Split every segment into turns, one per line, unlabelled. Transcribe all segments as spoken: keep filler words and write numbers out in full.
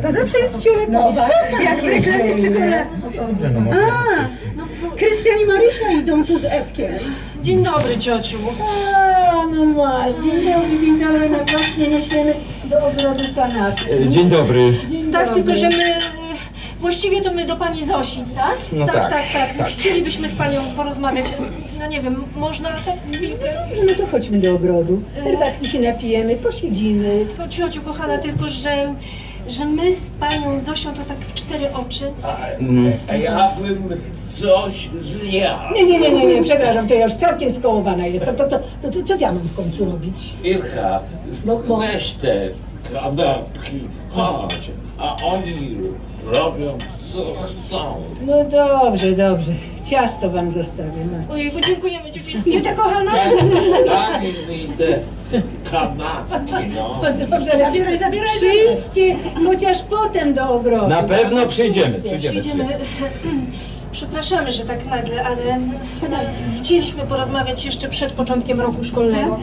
to zawsze jest fioletowa.
No,
jak reklamy czekolady.
Dobrze, no może.
A, no, Krystian i Marysia idą tu z Edkiem.
Dzień dobry, ciociu.
A, no masz, dzień dobry, dzień dobry, no właśnie niesiemy do ogrodu kanapy.
E, Dzień dobry.
Dzień
Tak,
dobry.
tylko że my... e, Właściwie to my do pani Zosi, tak?
No
tak,
tak,
tak, tak.
tak.
Chcielibyśmy z panią porozmawiać. No nie wiem, można tak chwilkę?
Dobrze, no to chodźmy do ogrodu. Herbatki się napijemy, posiedzimy.
No, ciociu kochana, tylko że... że my z panią Zosią to tak w cztery oczy.
A ja bym coś zjadł.
Nie, nie, nie, nie, nie, przepraszam, to ja już całkiem skołowana jestem. To, to, to, to co ja mam w końcu robić?
Irka,
No, no.
weź te kanapki, chodź, a oni robią co chcą.
No dobrze, dobrze. Ciasto wam zostawię, macie.
Ojejku, dziękujemy cioci. Ciocia kochana.
Daj mi te kanapki, no.
No dobrze, zabieraj, zabieraj. Przyjdźcie chociaż potem do ogrodu.
Na pewno przyjdziemy, przyjdziemy.
Przyjdziemy. Przepraszamy, że tak nagle, ale chcieliśmy porozmawiać jeszcze przed początkiem roku szkolnego.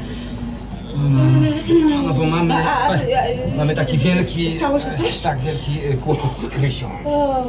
No bo mamy,
A, a, a,
mamy taki wielki,
stało się coś?
tak wielki e, kłopot z Krysią.
O,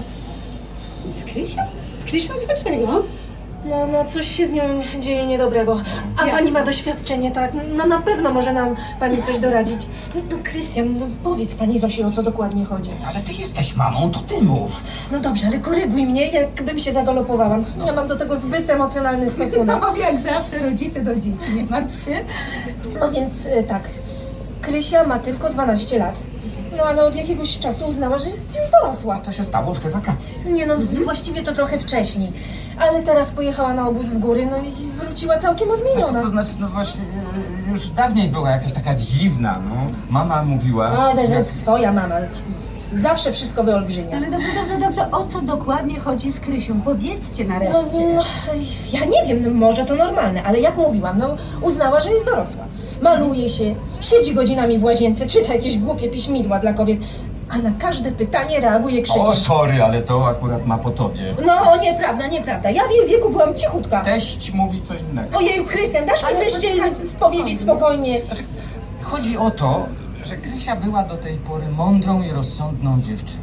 Z Krysią? Z Krysią dlaczego?
no, no coś się z nią dzieje niedobrego. A
Jak?
pani ma doświadczenie, tak? No na pewno może nam pani coś doradzić. No Krystian, no powiedz pani Zosi, o co dokładnie chodzi.
Ale ty jesteś mamą, to ty mów.
No dobrze, ale koryguj mnie, jakbym się zagalopowała. Ja mam do tego zbyt emocjonalny stosunek.
No jak zawsze rodzice do dzieci, nie martw się.
No więc y, tak, Krysia ma tylko dwanaście lat. No ale od jakiegoś czasu uznała, że jest już dorosła.
To się stało w te wakacje.
Nie no, właściwie to trochę wcześniej. Ale teraz pojechała na obóz w góry, no i wróciła całkiem
To
odmieniona.
znaczy, no właśnie, e, już dawniej była jakaś taka dziwna, no. Mama mówiła,
A, to
że...
jest twoja mama. Zawsze wszystko wyolbrzymia.
Ale dobrze, dobrze, dobrze, o co dokładnie chodzi z Krysią? Powiedzcie
No,
nareszcie.
no, ja nie wiem, no może to normalne, ale jak mówiłam, no uznała, że jest dorosła. Maluje się, siedzi godzinami w łazience, czyta jakieś głupie piśmidła dla kobiet, a na każde pytanie reaguje krzykiem.
O, sorry, ale to akurat ma po tobie.
No, nieprawda, nieprawda. Ja w jej wieku byłam cichutka.
Teść mówi co innego.
Ojeju, Krystian, dasz mi
Ale
wreszcie
poczekajcie,
powiedzieć spokojnie.
Znaczy, chodzi o to, że Krysia była do tej pory mądrą i rozsądną dziewczyną.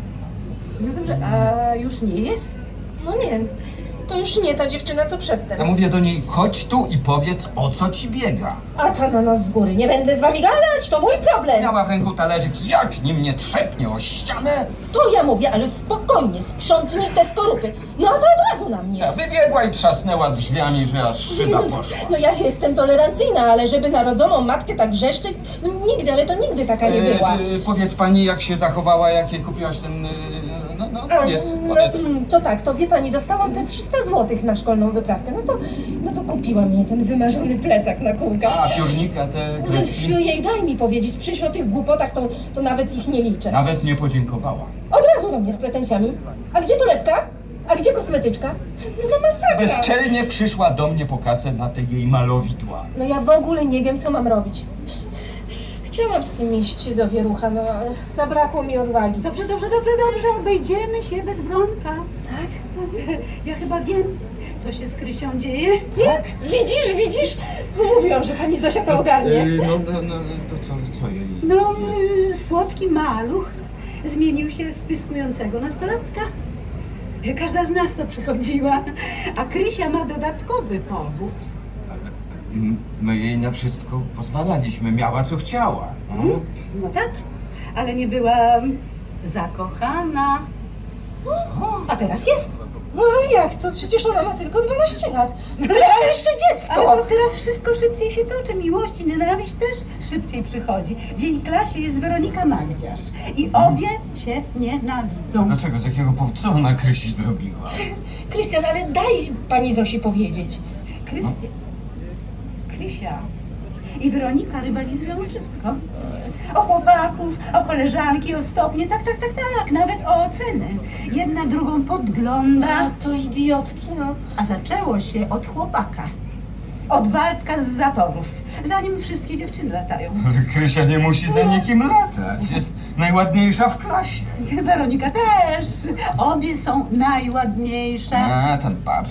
No dobrze, a już nie jest?
No nie, to już nie ta dziewczyna, co przedtem.
Ja mówię do niej, chodź tu i powiedz, o co ci biega.
A ta na nas z góry. Nie będę z wami gadać, to mój problem.
Miała w ręku talerzyk, jak nim nie trzepnie o ścianę,
To ja mówię, ale spokojnie, sprzątnij te skorupy. No a to od razu na mnie.
ta wybiegła i trzasnęła drzwiami, że aż szyba poszła.
No ja jestem tolerancyjna, ale żeby narodzoną matkę tak wrzeszczeć, no nigdy, ale to nigdy taka nie
E,
była.
ty, powiedz pani, jak się zachowała, jak jej kupiłaś ten... e, No, no,
A,
powiedz,
no,
powiedz.
mm, to tak, to wie pani, dostałam te trzysta złotych na szkolną wyprawkę. No to, no to kupiłam jej ten wymarzony plecak na kółkach.
A, piórnika, te kredki?
Jej, daj mi powiedzieć, przecież o tych głupotach to, to nawet ich nie liczę.
Nawet nie podziękowała.
Od razu do mnie z pretensjami. A gdzie torebka? A gdzie kosmetyczka? No masakra.
Bezczelnie przyszła do mnie po kasę na te jej malowidła.
No ja w ogóle nie wiem, co mam robić. Chciałam z tym iść do Wierucha, no ale zabrakło mi odwagi.
Dobrze, dobrze, dobrze, dobrze, obejdziemy się bez Bronka. Tak? Ja chyba wiem, co się z Krysią dzieje.
Jak? Widzisz, widzisz? Mówiłam, że pani Zosia to ogarnie.
E, No, no, no, to co, co jej?
No, y, słodki maluch zmienił się w pyskującego nastolatka. Każda z nas to przechodziła, a Krysia ma dodatkowy powód.
Mm, My jej na wszystko pozwalaliśmy, miała co chciała. No.
No tak, ale nie była zakochana. A teraz jest.
No ale jak to? Przecież ona ma tylko dwanaście lat. Przecież to jeszcze
Ale
dziecko.
to teraz wszystko szybciej się toczy. Miłość i nienawiść też szybciej przychodzi. W jej klasie jest Weronika Magdziarz i obie się nienawidzą.
Dlaczego, z jakiego powodu, co ona Krysi zrobiła?
Krystian, ale daj pani Zosi powiedzieć.
Krystian, Krysia i Weronika rywalizują o wszystko. O chłopaków, o koleżanki, o stopnie, tak, tak, tak, tak, nawet o oceny. Jedna drugą
A
podgląda,
to idiotki, no.
a zaczęło się od chłopaka. Od Waldka z zatorów, zanim wszystkie dziewczyny latają.
Ale Krysia nie musi za nikim latać, jest najładniejsza w klasie.
Weronika też. Obie są najładniejsze.
A, ten babski taki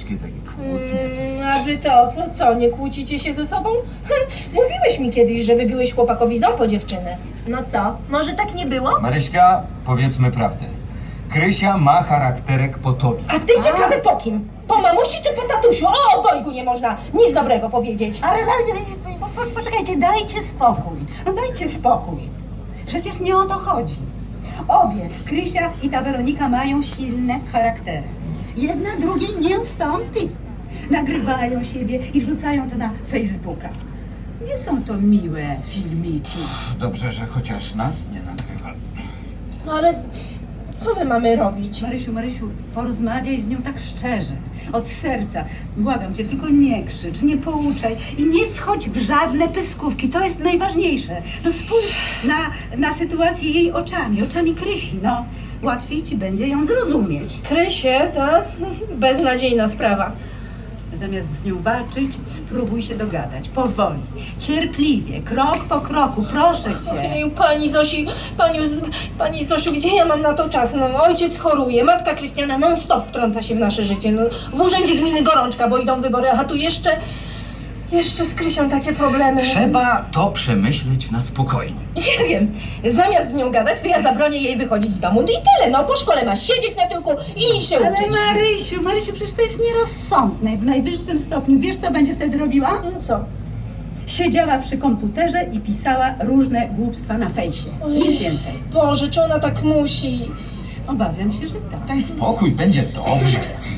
Mm, a wy to, to co, nie kłócicie się ze sobą? Mówiłeś mi kiedyś, że wybiłeś chłopakowi ząb po dziewczynę. No co, może tak nie było?
Maryśka, powiedzmy prawdę. Krysia ma charakterek po tobie.
A ty ciekawy po kim? Po mamusi czy po tatusiu? O obojgu nie można nic dobrego powiedzieć.
Ale, ale po, po, poczekajcie, dajcie spokój. No dajcie spokój. Przecież nie o to chodzi. Obie, Krysia i ta Weronika, mają silne charaktery. Jedna drugiej nie ustąpi. Nagrywają siebie i wrzucają to na Facebooka. Nie są to miłe filmiki.
Dobrze, że chociaż nas nie nagrywa.
No ale co my mamy robić?
Marysiu, Marysiu, porozmawiaj z nią tak szczerze, od serca. Błagam cię, tylko nie krzycz, nie pouczaj i nie wchodź w żadne pyskówki. To jest najważniejsze. No spójrz na, na sytuację jej oczami, oczami Krysi, no. Łatwiej ci będzie ją zrozumieć.
Krysie, ta? Beznadziejna sprawa.
Zamiast z nią walczyć, spróbuj się dogadać, powoli, cierpliwie, krok po kroku, proszę cię.
Ej, pani Zosi, pani, Z- pani Zosiu, gdzie ja mam na to czas? No, ojciec choruje, matka Krystiana non stop wtrąca się w nasze życie. No, w urzędzie gminy gorączka, bo idą wybory, a tu jeszcze, jeszcze z Krysią takie problemy.
Trzeba to przemyśleć na spokojnie.
Nie wiem, zamiast z nią gadać, to ja zabronię jej wychodzić z domu. No i tyle, no po szkole masz siedzieć na tyłku i się
Ale
uczyć.
Marysiu, Marysiu, przecież to jest nierozsądne w najwyższym stopniu. Wiesz, co będzie wtedy robiła?
No co?
Siedziała przy komputerze i pisała różne głupstwa na fejsie. Nic więcej.
Boże, czy ona tak musi?
Obawiam się, że tak.
Daj spokój, będzie dobrze.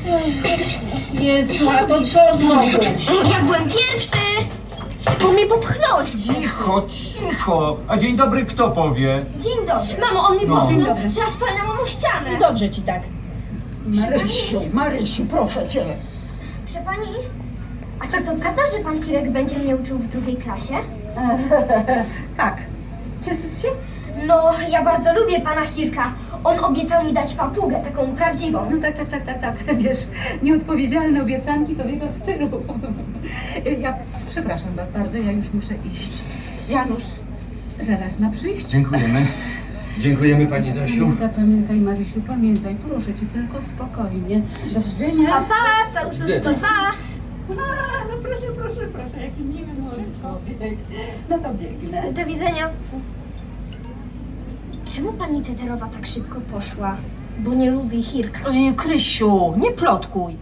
Jezu, a to co znowu?
Ja byłem pierwszy! Bo mnie popchnąłeś!
Cicho, cicho. A dzień dobry kto powie?
Dzień dobry. Mamo, on mi
No.
popchnął,
Dzień dobry.
że aż palnęłam o ścianę.
Dobrze ci tak.
Marysiu, Marysiu, proszę cię.
Proszę pani, a czy to prawda, że pan Hirek będzie mnie uczył w drugiej klasie?
Tak. Cieszysz się?
No, ja bardzo lubię pana Hirka. On obiecał mi dać papugę, taką prawdziwą.
No tak, tak, tak, tak, tak. Wiesz, nieodpowiedzialne obiecanki to w jego stylu. Ja przepraszam was bardzo, ja już muszę iść. Janusz zaraz ma przyjść.
Dziękujemy. Dziękujemy pani Zosiu.
Pamiętaj, pamiętaj, Marysiu, pamiętaj, proszę cię, tylko spokojnie. Do widzenia.
Papa, całuszy sto dwa.
A, no proszę, proszę, proszę, jaki miły młody człowiek. No to biegnę.
Do widzenia. Czemu pani Teterowa tak szybko poszła? Bo nie lubi Hirka.
Ojej, Krysiu, nie plotkuj.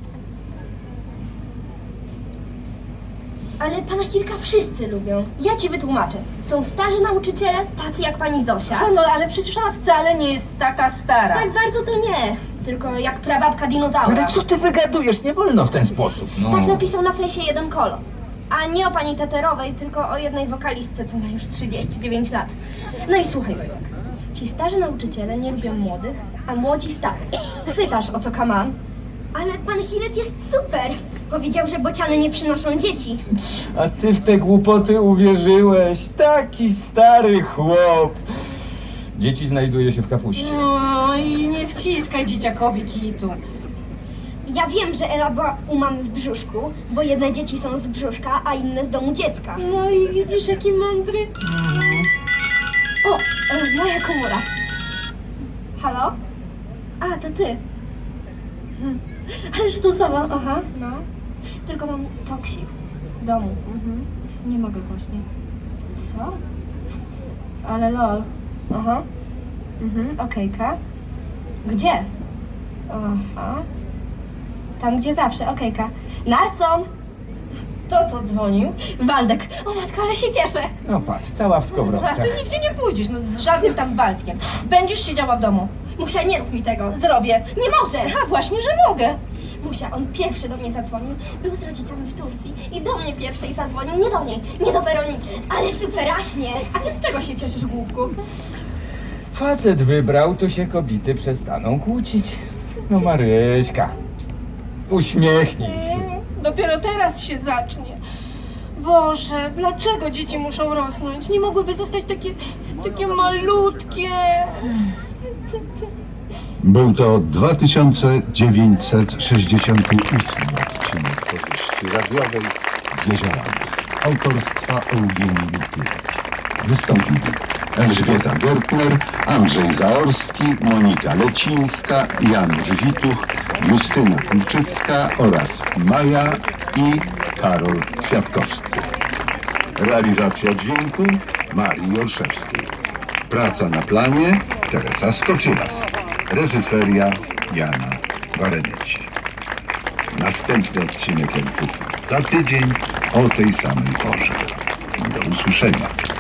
Ale pana Hirka wszyscy lubią. Ja ci wytłumaczę. Są starzy nauczyciele, tacy jak pani Zosia.
No ale przecież ona wcale nie jest taka stara.
Tak bardzo to nie. Tylko jak prababka dinozaura.
Ale co ty wygadujesz? Nie wolno w ten sposób. No.
Tak napisał na fejsie jeden kolo. A nie o pani Teterowej, tylko o jednej wokalistce, co ma już trzydzieści dziewięć lat. No i słuchaj, Wojtek. Ci starzy nauczyciele nie lubią młodych, a młodzi starych. Chwytasz, o co kaman? Ale pan Hirek jest super. Powiedział, że bociany nie przynoszą dzieci.
A ty w te głupoty uwierzyłeś. Taki stary chłop. Dzieci znajduje się w kapuście.
No i nie wciskaj dzieciakowi kitu.
Ja wiem, że Ela była u mamy w brzuszku, bo jedne dzieci są z brzuszka, a inne z domu dziecka.
No i widzisz, jaki mądry.
O, e, moja komora. Halo? A, to ty. Hm. Ale sztusowa, aha, no. Tylko mam toksik w domu. Mhm. Nie mogę właśnie. Co? Ale lol. Aha. Mhm, okejka. Gdzie? Aha. Tam, gdzie zawsze, okejka. Narson!
Kto to dzwonił?
Waldek. O matko, ale się cieszę.
No patrz, cała w
A
skowronkach.
ty nigdzie nie pójdziesz, no z żadnym tam Waldkiem. Będziesz siedziała w domu.
Musia, nie rób mi tego.
Zrobię.
Nie możesz!
A właśnie, że mogę.
Musia, on pierwszy do mnie zadzwonił, był z rodzicami w Turcji i do mnie pierwszej zadzwonił, nie do niej, nie do Weroniki. Ale superaśnie! A ty z czego się cieszysz, głupku?
Facet wybrał, to się kobiety przestaną kłócić. No Maryśka, uśmiechnij się.
Mm, Dopiero teraz się zacznie. Boże, dlaczego dzieci muszą rosnąć? Nie mogłyby zostać takie, takie malutkie.
Był to dwa tysiące dziewięćset sześćdziesiąty ósmy odcinek powieści radiowej Jeziorany autorstwa Eugenii Lutula. Wystąpili Elżbieta Gertner, Andrzej Zaorski, Monika Lecińska, Janusz Wituch, Justyna Kulczycka oraz Maja i Karol Kwiatkowscy. Realizacja dźwięku Marii Olszewskiej. Praca na planie Teresa Skoczylas. Reżyseria Jana Warenyci. Następny odcinek jak zwykle za tydzień o tej samej porze. Do usłyszenia.